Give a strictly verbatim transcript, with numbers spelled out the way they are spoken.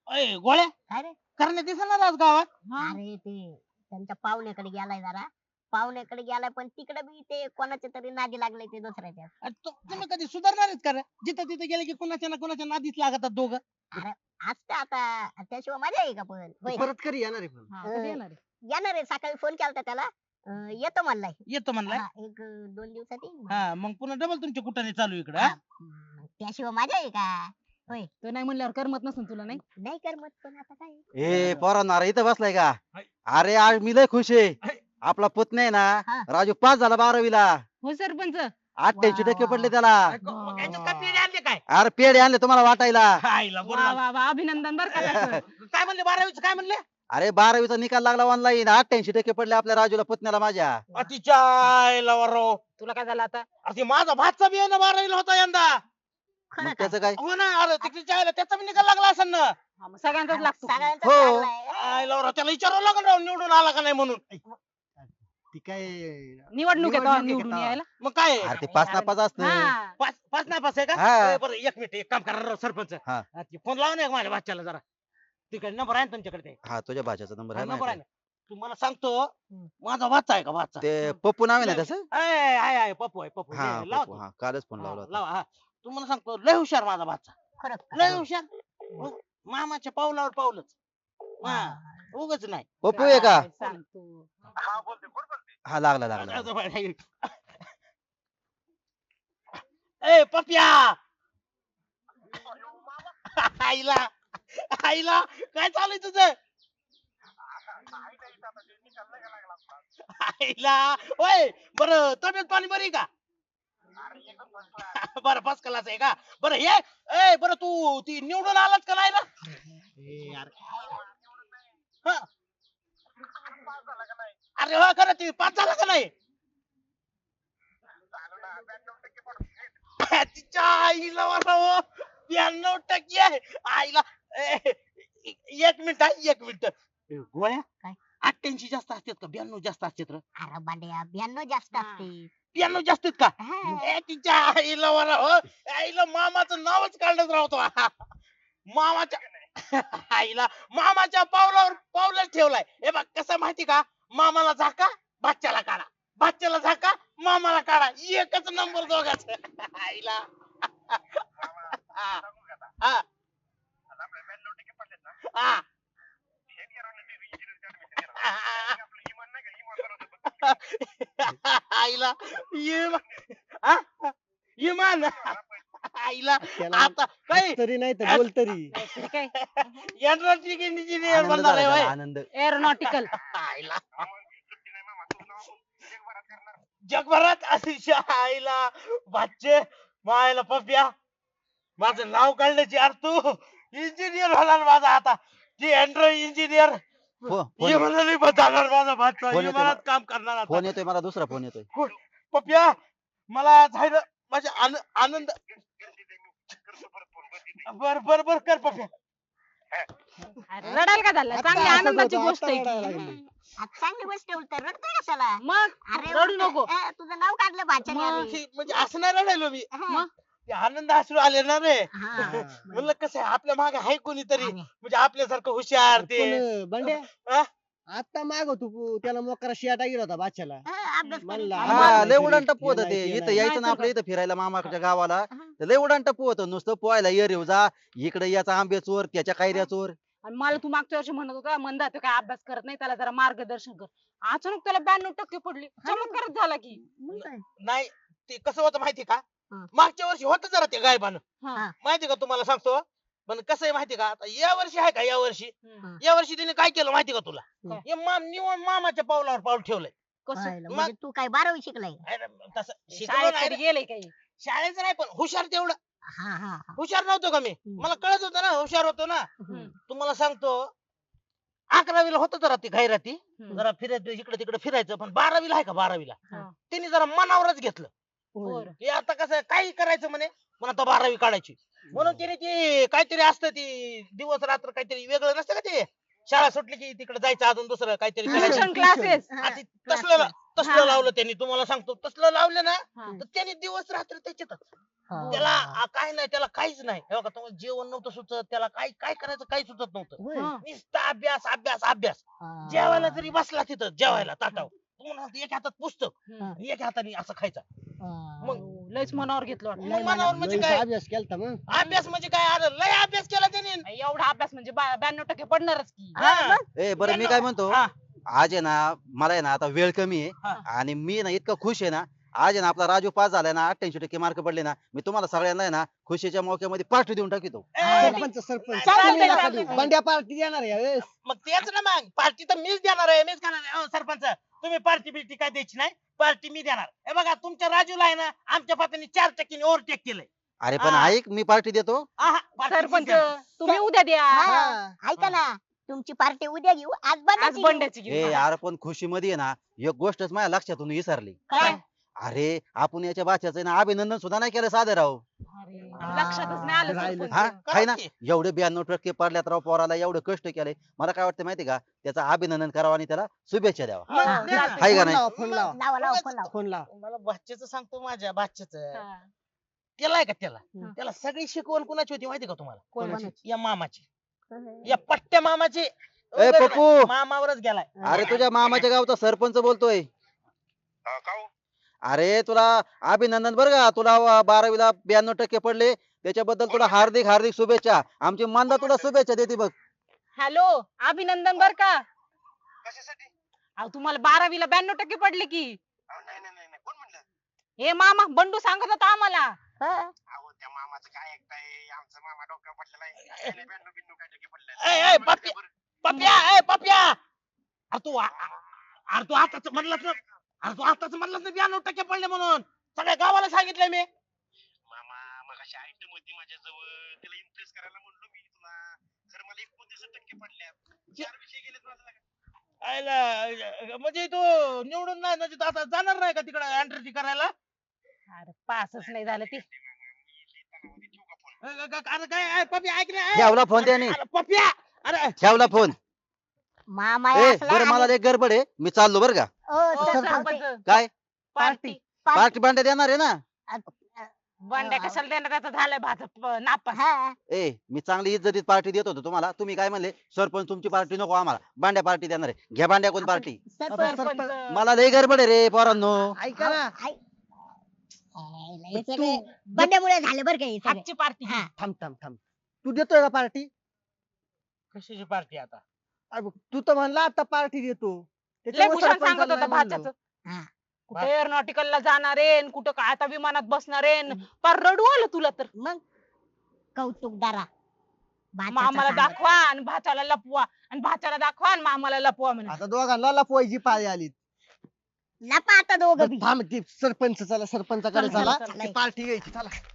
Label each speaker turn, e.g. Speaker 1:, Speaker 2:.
Speaker 1: अय गोळ्या
Speaker 2: काय रे
Speaker 1: करण्यात दिसणार आज गावात.
Speaker 2: अरे ते त्यांच्या पाहुण्याकडे गेलाय जरा पाहुण्याकडे गेलाय पण तिकडे बी ते कोणाच्या तरी नादी लागले ते दुसऱ्याच्या
Speaker 1: अरे तु- तुम्ही कधी सुधारणार आहेत का रे? जिथं तिथे गेले की कुणाच्या ना कुणाच्या नादीच लागतात दोघं.
Speaker 2: अरे असतं आता त्याशिवाय मजा आहे का पण होय.
Speaker 3: परत कधी येणार आहे पण
Speaker 4: हा,
Speaker 2: अं,
Speaker 4: कधी येणार आहे?
Speaker 2: येणार आहे सकाळी फोन केलता त्याला अं, येतो म्हणलाय
Speaker 1: येतो म्हणलाय.
Speaker 2: हा, एक अं, दोन दिवसात येईन
Speaker 1: हा मग पुन्हा डबल तुमच्या कुठाने चालू इकडं
Speaker 2: हा,
Speaker 1: हा?
Speaker 2: मग त्याशिवाय मजा आहे का होय
Speaker 4: तो नाही म्हणल्यावर करमत नसून तुला नाही.
Speaker 2: नाही कर मत पण आता काय
Speaker 3: ए पोरांना अरे इथं बसलाय का अरे आज मी लय खुश आहे आपला पुतण्या आहे
Speaker 2: हा.
Speaker 3: ना राजू पास झाला बारावीला
Speaker 4: हो सरपंच.
Speaker 3: अठ्ठ्याऐंशी
Speaker 2: वा,
Speaker 3: टक्के
Speaker 2: वा.
Speaker 3: पडले त्याला
Speaker 1: मग याच्यात काय पेढे आणले काय?
Speaker 3: अरे पेढे आणले तुम्हाला वाटायला
Speaker 1: आईला बरं
Speaker 4: वा
Speaker 1: झालं.
Speaker 4: वा वा अभिनंदन बर का त्याचं.
Speaker 1: काय म्हणले बारावीच काय म्हणले?
Speaker 3: अरे बारावीचा निकाल लागला ऑनलाईन अठ्ठ्याऐंशी टक्के पडले आपल्या राजूला पुतण्याला माझ्या
Speaker 1: अतिच्या आईला वराव.
Speaker 4: तुला काय झालं आता?
Speaker 1: अरे ते माझा भातचा बी आहे ना बारावीला होता यंदा.
Speaker 2: खरं
Speaker 3: मग
Speaker 2: काय?
Speaker 3: त्याचं काय
Speaker 1: हो ना अरे तिकडच्या आईला त्याचा बी निकाल लागला असेल ना.
Speaker 4: हा, मग सगळ्यांचाच लागतो.
Speaker 2: सगळ्यांचाच
Speaker 3: हो.
Speaker 2: लागलाय.
Speaker 1: आईला वराव त्याला विचारावं लागेल राव निवडून आला का नाही म्हणून.
Speaker 3: ती काय
Speaker 4: निवडणूक आहे तेव्हा
Speaker 3: निवडणूक आहे
Speaker 4: निवडून
Speaker 3: का?
Speaker 4: यायला.
Speaker 1: मग काय
Speaker 3: अरे ते पाच नापास असतं
Speaker 4: हा.
Speaker 1: पाच पाच नाही पाच आहे का?
Speaker 3: हा.
Speaker 1: ए, बरं एक मिनिट एक काम करा राव सरपंच.
Speaker 3: हा.
Speaker 1: हा, ते फोन लावा ना एक माझ्या भाच्याला जरा. तिकडे नंबर आहे ना तुमच्याकडे ते.
Speaker 3: हा तुझ्या भाच्याचा नंबर आहे
Speaker 1: नंबर आहे
Speaker 3: ना
Speaker 1: ना. तुम्हाला सांगतो माझा भाचा आहे का भाचा?
Speaker 3: ते पप्पू नाव आहे ना त्याचं
Speaker 1: आहे आहे आहे, पप्पू आहे पप्पू
Speaker 3: हा
Speaker 1: लावा
Speaker 3: पप्पू हा कालच फोन लावला
Speaker 1: हा,
Speaker 3: होता
Speaker 1: लावा हा तुम्हाला सांगतो लय हुशार माझा भाचा.
Speaker 2: खरं
Speaker 1: लय हुशार. मग मामाच्या पावलावर पावलंच. हा उगच नाही.
Speaker 3: पप्पू आहे का
Speaker 4: काय सांगतो.
Speaker 3: हा लागला लागला
Speaker 1: ए पप्या आईला आईला काय चालू आहे तुझं? आईला ओय बरं तब्येत पाणी बरी आहे का? बरं फर्स्ट क्लास आहे का? बरं हे ए बरं तू ती निवडून आलात का नाही ना? हा. अरे हो खरं ती पास झाला का नाही? तिच्या आईला बरं ब्याण्णव टक्के आहे आईला. ए, एक मिनिट आहे एक मिनिट. ए, गोळ्या
Speaker 2: काय?
Speaker 1: अठ्ठ्याऐंशी जास्त असतात का ब्याण्णव जास्त असतात रे?
Speaker 2: अरे बांड्या ब्याण्णव जास्त
Speaker 4: हा.
Speaker 2: असते
Speaker 1: ब्याण्णव जास्त आहेत का?
Speaker 2: हा.
Speaker 1: ए, तिच्या आईला बरं हो आईला मामाचं नावच काढत राहतो मामाच्या आईला मामाच्या पावलावर पावलंच ठेवलाय. हे बघ कसं माहिती का मामाला झाका भाच्याला काढा भाच्याला झाका मामाला काढा एकच नंबर दोघाच आईला. हा. हा. हा. आईला इमा- हा? इमान आईला आता काय
Speaker 3: तरी नाही तर बोल तरी
Speaker 4: ते काय
Speaker 1: एनर्जी इंजिनियर
Speaker 3: आनंद
Speaker 1: बनणार आहे
Speaker 3: झाला
Speaker 1: होय.
Speaker 3: त्याला, आनंद
Speaker 4: एरोनॉटिकल.
Speaker 1: आईला जगभरात अतिशय आईला भाचे मायला पप्या माझं नाव काढण्याची यार तू इंजिनियर होणार माझा आता ती अँड्रॉइड इंजिनियर
Speaker 3: फो- फोन
Speaker 1: म्हणाली जाणार माझा भाचा
Speaker 3: फोन येतोय
Speaker 1: विमानात काम करणार आता.
Speaker 3: फोन येतोय मला दुसरा फोन येतोय
Speaker 1: पप्या मला झालं माझ्या आन- आनंद बर बर बर कर पप्या.
Speaker 4: अरे रडायला का झालं? चांगली आनंदाची गोष्ट आहे ती.
Speaker 2: आज चांगली गोष्ट आहे उलट रडतोय कशाला
Speaker 4: मग
Speaker 2: अरे
Speaker 4: रडू
Speaker 2: उलट,
Speaker 4: नको.
Speaker 2: अं, तुझं नाव काढलं भाच्याने
Speaker 4: मग
Speaker 2: अरे.
Speaker 1: हे म्हणजे असं नाही रडायलो मी
Speaker 2: हा.
Speaker 4: मग?
Speaker 1: ते आनंद अश्रू आले ना रे.
Speaker 2: हा.
Speaker 1: म्हणलं कसं आहे आपल्या मागे आहे कोणीतरी
Speaker 2: अरे.
Speaker 1: म्हणजे आपल्यासारखं हुशार ते
Speaker 5: बंड्या
Speaker 1: हा?
Speaker 5: आता माग तू त्याला मोकरा शिया टाकील होता बादशाला
Speaker 2: हा, अभ्यास करीत
Speaker 5: म्हणला,
Speaker 2: नाही.
Speaker 3: हा
Speaker 5: नाही
Speaker 3: लय
Speaker 5: तरी,
Speaker 3: उडान टप्पू होतं
Speaker 5: हे
Speaker 3: ते
Speaker 5: नाही, ते
Speaker 3: इथं
Speaker 5: नाही.
Speaker 3: यायचं ना
Speaker 4: नाही
Speaker 3: आपल्या इथं फिरायला मामाच्या गावाला
Speaker 2: हा.
Speaker 3: तर लय उडान टप्पू होतं नुसतं पोहायला येर येऊ जा इकडे याचा आंबे चोर त्याच्या कैऱ्या चोर
Speaker 4: आणि मला तू मागच्या वर्षी म्हणत होता मंदा तो काय अभ्यास करत नाही त्याला जरा मार्गदर्शन कर. अचानक त्याला ब्याण्णव टक्के पडली. चमत्कारच झाला की.
Speaker 2: मग काय?
Speaker 1: नाही ते कसं होतं माहिती का
Speaker 2: हा.
Speaker 1: मागच्या वर्षी होतं जरा ते गायबान
Speaker 4: हा.
Speaker 1: माहिती का तुम्हाला सांगतो पण कसं आहे माहिती का आता या वर्षी आहे का या वर्षी
Speaker 4: हम्म.
Speaker 1: या वर्षी तिने काय केलं माहिती का तुला
Speaker 4: काय?
Speaker 1: हे माम निवड मामाच्या पावलावर पाऊल ठेवलंय.
Speaker 4: कसं
Speaker 2: पाहिलं, म्हणजे तू काय बारावी शिकलाय
Speaker 1: अरे, तसं शिकलो
Speaker 4: शाळेत
Speaker 1: नाही
Speaker 4: कधी
Speaker 1: रे.
Speaker 4: गेले काही?
Speaker 1: शाळेचं नाही पण हुशार तेवढं
Speaker 2: हा हा हा.
Speaker 1: हुशार नव्हतो का मी
Speaker 2: हम्म.
Speaker 1: मला कळत होतं ना हुशार होतो ना.
Speaker 4: हम्म.
Speaker 1: तुम्हाला सांगतो अकरावीला होतं जरा ती खैराती
Speaker 4: हम्म.
Speaker 1: जरा फिरायचं इकडे तिकडे फिरायचं पण बारावीला आहे का बारावीला
Speaker 4: हा.
Speaker 1: त्यांनी जरा मनावरच घेतलं
Speaker 4: बरं.
Speaker 1: की आता कसं काही करायचं म्हणे पण आता बारावी काढायची म्हणून त्याने ते काहीतरी असतं ती दिवस रात्र काहीतरी वेगळं नसतं का ते शाळा सुटली की तिकडे जायचं अजून दुसरं काहीतरी करायचं
Speaker 4: ट्युशन क्लासेस.
Speaker 2: हा,
Speaker 1: आणि तसलं ला- तसलं
Speaker 4: हा.
Speaker 1: लावलं त्यांनी तुम्हाला सांगतो तसलं लावलं ना
Speaker 4: हा.
Speaker 1: तर त्यांनी दिवस रात्र त्याच्यातच
Speaker 2: हा.
Speaker 1: त्याला आ, काय नाही त्याला काहीच नाही हे बघा तुम्हाला जेवण नव्हतं सुचत त्याला काय काय करायचं काही सुचत नव्हतं
Speaker 5: होय.
Speaker 4: हा.
Speaker 1: नुसता अभ्यास अभ्यास अभ्यास
Speaker 2: हा.
Speaker 1: जेवायला जरी बसला तिथं जेवायला ताटाव तुम्हाला एक हातात पुस्तक
Speaker 4: हम्म.
Speaker 1: आणि एक हाताने असं खायचा
Speaker 2: हा.
Speaker 1: मग
Speaker 4: हो, लयच मनावर घेतलं वाटतं.
Speaker 1: मग मनावर म्हणजे
Speaker 5: लयच
Speaker 1: काय
Speaker 5: अभ्यास केलता मग
Speaker 1: अभ्यास म्हणजे काय अरे लय अभ्यास केला त्याने
Speaker 4: एवढा अभ्यास म्हणजे ब्याण्णव टक्के पडणारच की
Speaker 1: हा.
Speaker 3: ए बरं मी काय म्हणतो
Speaker 1: हा.
Speaker 3: आज आहे ना मला आहे ना आता वेळ कमी
Speaker 1: हा.
Speaker 3: आहे आणि मी ना इतका खुश आहे ना आज आहे ना आपला राजू पास झालाय ना अठ्ठ्याऐंशी टक्के मार्क पडले ना मी तुम्हाला सगळ्यांना आहे ना खुशीच्या मौक्यामध्ये पार्टी देऊन टाकितो
Speaker 1: ए,
Speaker 5: सरपंच सरपंच
Speaker 1: चालतंय,
Speaker 5: तुम्ही नका
Speaker 4: चालतंय.
Speaker 5: देऊ. बंड्या पार्टी देणार आहे यावेळेस.
Speaker 1: मग तेच ना मग पार्टी तर मीच देणार आहे मीच करणार आहे अहो, सरपंच तुम्ही पार्टी बिर्टी काय द्यायची नाही पार्टी मी देणार हे बघा तुमच्या राजूला आहे ना आमच्या पात्याने चार टक्क्याने ओव्हरटेक केलंय
Speaker 3: अरे पण
Speaker 1: हा.
Speaker 3: ऐक मी पार्टी देतो
Speaker 1: आहा, party मीच
Speaker 4: सरपंच
Speaker 1: देणार.
Speaker 4: तुम्ही उद्या द्या
Speaker 2: हा.
Speaker 5: हा.
Speaker 2: ऐका ना तुमची पार्टी उद्या घेऊ आज
Speaker 4: आज
Speaker 2: बंडाची घेऊ.
Speaker 4: बंड्याची
Speaker 3: ए
Speaker 4: घेऊ.
Speaker 3: यार पण खुशीमध्ये आहे ना एक गोष्टच माझ्या लक्षातून विसरली
Speaker 2: काय?
Speaker 3: अरे आपण याच्या बाच्याचं आहे ना अभिनंदन सुद्धा नाही केलं साधे राव
Speaker 4: अरे, लक्षातच नाही आलं
Speaker 5: राहिलं.
Speaker 4: सरपंच.
Speaker 3: हा काय ना
Speaker 1: की.
Speaker 3: एवढे ब्याण्णव टक्के पडल्यात राव पोराला एवढं कष्ट केलंय मला काय वाटतं माहिती का त्याचं अभिनंदन करावं आणि त्याला शुभेच्छा द्यावा
Speaker 1: मग
Speaker 2: हा.
Speaker 1: द्या ना.
Speaker 4: चालतंय.
Speaker 3: हाय का
Speaker 5: फोन
Speaker 3: नाही
Speaker 5: लावा फोन लावा
Speaker 2: लावा लावा फोन लावा.
Speaker 5: फोन लावा
Speaker 1: मला बाच्याचं सांगतो माझ्या बाच्याचं
Speaker 4: हा.
Speaker 1: त्याला आहे का त्याला
Speaker 2: हम्म.
Speaker 1: त्याला सगळी शिकवण कुणाची होती माहिती का तुम्हाला
Speaker 2: कोणाची?
Speaker 1: या मामाची या पट्ट्या मामाची
Speaker 3: ए पप्पू
Speaker 1: मामावरच गेलाय
Speaker 3: अरे तुझ्या मामाच्या गावचा सरपंच बोलतोय अरे तुला अभिनंदन बरं का तुला व- बारावीला ब्याण्णव टक्के पडले त्याच्याबद्दल तुला हार्दिक हार्दिक शुभेच्छा आमची मांदा तुला शुभेच्छा देते बघ
Speaker 4: हॅलो अभिनंदन बर का अहो तुम्हाला बारावीला ब्याण्णव टक्के पडले की हे मामा बंडू सांगत होता आम्हाला
Speaker 2: हा.
Speaker 1: ए, ए, पप्या पप्या ए, पप्या अरे तू आ- आ- अरे तू आताच म्हणलास ना अरे तू आताच म्हणलास ना ब्याण्णव टक्के पडले म्हणून सगळ्या गावाला सांगितलंय मी
Speaker 6: मामा मगाशी आयटम होती माझ्याजवळ त्याला इम्प्रेस करायला म्हणलो मी तुला खरं मला एकोणतीस टक्के पडल्यात चार विषय गेलेत माझा
Speaker 1: आयला, म्हणजे तू निवडून नाही म्हणजे तू आता जाणार नाही का तिकडे एंट्री करायला
Speaker 4: अरे पासच नाही झालं ते
Speaker 1: अ, ग- ग- अरे काय ए, पप्या ऐक ना ए.
Speaker 3: ठेवला फोन त्याने
Speaker 1: अरे, पप्या अरे
Speaker 3: ठेवला फोन
Speaker 2: मामा
Speaker 3: ए
Speaker 2: असला
Speaker 3: बरं मला
Speaker 2: आणि-
Speaker 3: लय गडबड आहे मी चाललो बरं का
Speaker 2: ओ,
Speaker 4: ओ,
Speaker 2: सरपंच.
Speaker 4: सरपंच
Speaker 3: काय
Speaker 4: पार्टी
Speaker 3: पार्टी बांड्या देणार आहे ना
Speaker 4: बंड्या कशाला देणार आता झालंय भाजप नापास
Speaker 2: हा.
Speaker 3: ए मी चांगली इज्जतीत पार्टी देत होतो तुम्हाला तुम्ही काय म्हणले सरपंच तुमची पार्टी नको आम्हाला बांड्या पार्टी देणार आहे घ्या बांड्या कोण पार्टी
Speaker 2: सरपंच.
Speaker 4: सरपंच
Speaker 3: मला लय गडबड आहे रे पोरांनो
Speaker 5: ऐका ना
Speaker 2: ऐक. आयला, हे सगळे बंड्यामुळे झाले बरं का हे सगळे.
Speaker 4: आजची पार्टी
Speaker 2: हा.
Speaker 5: थांब थांब थांब तू देतोय का पार्टी
Speaker 1: कशाची पार्टी आता
Speaker 5: तू तर म्हणला आता पार्टी देतो
Speaker 4: लय
Speaker 5: त्याच्यामुळे
Speaker 4: भूषण सांगत
Speaker 5: सरपंचाला
Speaker 4: होता
Speaker 5: नाही म्हणलो.
Speaker 4: भाच्याचं
Speaker 2: हा.
Speaker 4: कुठे एअरोनॉटिकल ला जाणार आहे न कुठं काय आता विमानात बसणार आहे न. पार रडू आलं तुला तर
Speaker 2: मग कौतुकदारा भाच्याचा
Speaker 4: मामाला
Speaker 2: सांगा.
Speaker 4: दाखवा आणि भाच्याला लपवा आणि भाच्याला दाखवा आणि मामाला लपवा म्हणे
Speaker 5: आता दोघांना लपवायची पाळी आली
Speaker 2: लपा आता दोघं बी.
Speaker 5: थांब ते सरपंच चला सरपंचाकडे
Speaker 4: चला,
Speaker 5: चला
Speaker 4: चला,
Speaker 2: चला.
Speaker 5: पार्टी घ्यायची चला